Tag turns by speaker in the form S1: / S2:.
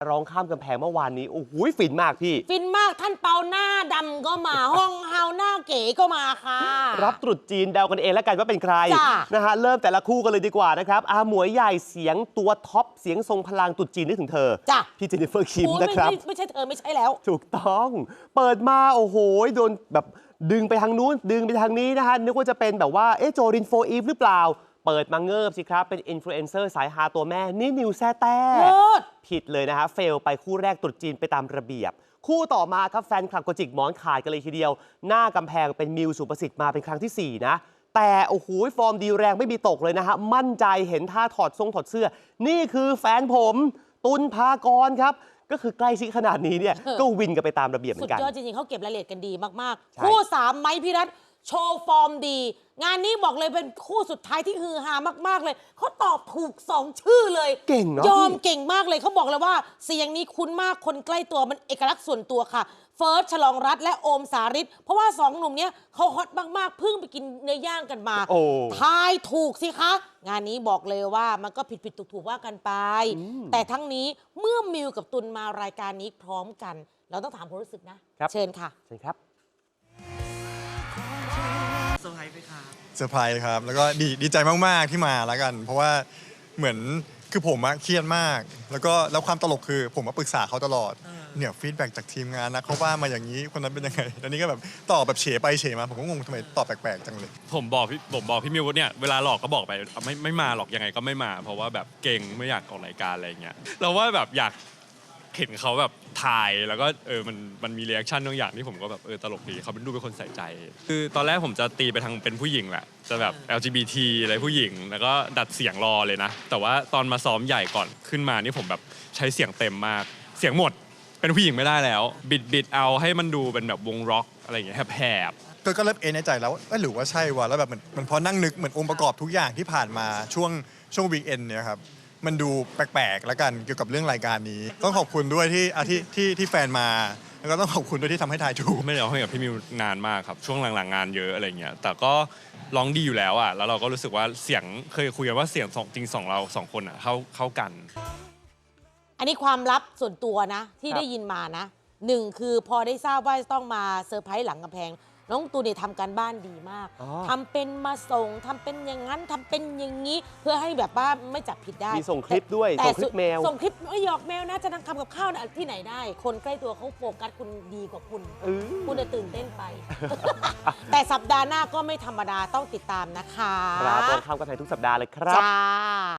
S1: ร้องข้ามกำแพงเมื่อวานนี้โอ้โหฟินมากพี่
S2: ฟินมากท่านเปาหน้าดำก็มาห้องเฮาหน้าเก๋ก็มาค่ะ
S1: รับตรุษจีนเดากันเองแล้วกันว่าเป็นใครนะฮะเริ่มแต่ละคู่กันเลยดีกว่านะครับอาหมวยใหญ่เสียงตัวท็อปเสียงทรงพลังตรุษจีนนึกถึงเธอ
S2: จ้ะ
S1: พี่เจนนิเฟอร์คิมนะครับ
S2: ไม่ใช่เธอไม่ใช่แล้ว
S1: ถูกต้องเปิดมาโอ้โหโดนแบบดึงไปทางนู้นดึงไปทางนี้นะฮะนึกว่าจะเป็นแบบว่าโจรินโฟอีฟหรือเปล่าเปิดมาเงิบสิครับเป็นอินฟลูเอนเซอร์สายฮาตัวแม่นี่นิวแซ่แต้ผิดเลยนะฮะเฟลไปคู่แรกตรุษจีนไปตามระเบียบคู่ต่อมาครับแฟนคลับก็จิกหมอนขาดกันเลยทีเดียวหน้ากำแพงเป็นมิวสุประสิทธิ์มาเป็นครั้งที่4นะแต่โอ้โหฟอร์มดีแรงไม่มีตกเลยนะฮะมั่นใจเห็นท่าถอดเสื้อนี่คือแฟนผมตุลภากรครับก็คือใกล้ชิดขนาดนี้เนี่ยก็วินกันไปตามระเบียบเหมือนกัน
S2: สุดยอดจริงๆเขาเก็บรายละเอียดกันดีมากๆคู่3ไม้พิรัตน์โชว์ฟอร์มดีงานนี้บอกเลยเป็นคู่สุดท้ายที่ฮือฮามากๆเลยเขาตอบถูก2ชื่อเลย
S1: เก่งเนาะ
S2: ยอมเก่งมากเลยเขาบอกเลยว่าเสียงนี้คุ้นมากคนใกล้ตัวมันเอกลักษณ์ส่วนตัวค่ะเฟิร์สฉลองรัตน์และโอมสาริตเพราะว่า2หนุ่มเนี้ยเขาฮอตมากๆเพิ่งไปกินเนื้อย่างกันมาทายถูกสิคะงานนี้บอกเลยว่ามันก็ผิดถูกว่ากันไปแต่ทั้งนี้เมื่อมิวกับตุลมารายการนี้พร้อมกันเราต้องถามความรู้สึกนะเชิญค่ะ
S1: เชิญครับ
S3: เซอร์ไพรส์ไหมครับ
S4: เซอร์ไพรส์ครับแล้วก็ดีใจมากๆที่มาแล้วกัน เพราะว่าเหมือนคือผมเครียดมากแล้วความตลกคือผมมาปรึกษาเขาตลอดเนี่ยฟีดแบ็กจากทีมงานนะเขาว่ามาอย่างนี้คนนั้นเป็นยังไงแล้วนี่ก็แบบตอบแบบเฉไปเฉมาผมก็งงทำไมตอบแปลกๆจังเลย
S3: ผมบอกพี่มิวเนี่ยเวลาหลอกก็บอกไปไม่มาหรอกยังไงก็ไม่มา เพราะว่าแบบเก่งไม่อยากออกรายการอะไรเงี้ยเราว่าแบบอยากเห็นเขาแบบถ่ายแล้วก็มันมีรีแอคชั่นบางอย่างที่ผมก็แบบตลกดีเขาดูเป็นคนใส่ใจคือตอนแรกผมจะตีไปทางเป็นผู้หญิงแหละจะแบบ LGBT อะไรผู้หญิงแล้วก็ดัดเสียงรอเลยนะแต่ว่าตอนมาซ้อมใหญ่ก่อนขึ้นมานี่ผมแบบใช้เสียงเต็มมากเสียงหมดเป็นผู้หญิงไม่ได้แล้วบิดเอาให้มันดูเป็นแบบวงร็อกอะไรอย่างเงี้ยแหบ
S4: ก็เริ่มในใจแล้วหรือว่าใช่วะแล้วแบบมันพอนั่งนึกเหมือนองค์ประกอบทุกอย่างที่ผ่านมาช่วงวีคเอนเนี่ยครับมันดูแปลกๆแล้วกันเกี่ยวกับเรื่องรายการนี้ต้องขอบคุณด้วยที่แฟนมาแล้วก็ต้องขอบคุณด้วยที่ทำให้ทายถูก
S3: ไม่ได้ร้องเพลงกับพี่มิวนานมากครับช่วงหลังๆงานเยอะอะไรเงี้ยแต่ก็ร้องดีอยู่แล้วอ่ะแล้วเราก็รู้สึกว่าเสียงเคยคุยกันว่าเสียงจริงเรา2คนอ่ะเข้ากัน
S2: อันนี้ความลับส่วนตัวนะที่ได้ยินมานะ1คือพอได้ทราบว่าต้องมาเซอร์ไพรส์หลังกำแพงน้องตูนเนี่ยทำการบ้านดีมากทำเป็นมาส่งทำเป็นอย่างนั้นทำเป็นอย่างนี้เพื่อให้แบบว่าไม่จับผิดได้
S1: มีส่งคลิปด้วยส่งคลิปแมว
S2: ส่งคลิปไม่หยอกแมวนะจะนั่งทำกับข้าวนะที่ไหนได้ คนใกล้ตัวเขาโฟกัสคุณดีกว่าคุณจะตื่นเต้นไป แต่สัปดาห์หน้าก็ไม่ธรรมดาต้องติดตามนะคะ
S1: ครับตอนข้ามกำแพงทุกสัปดาห์เลยครับ
S2: จ้า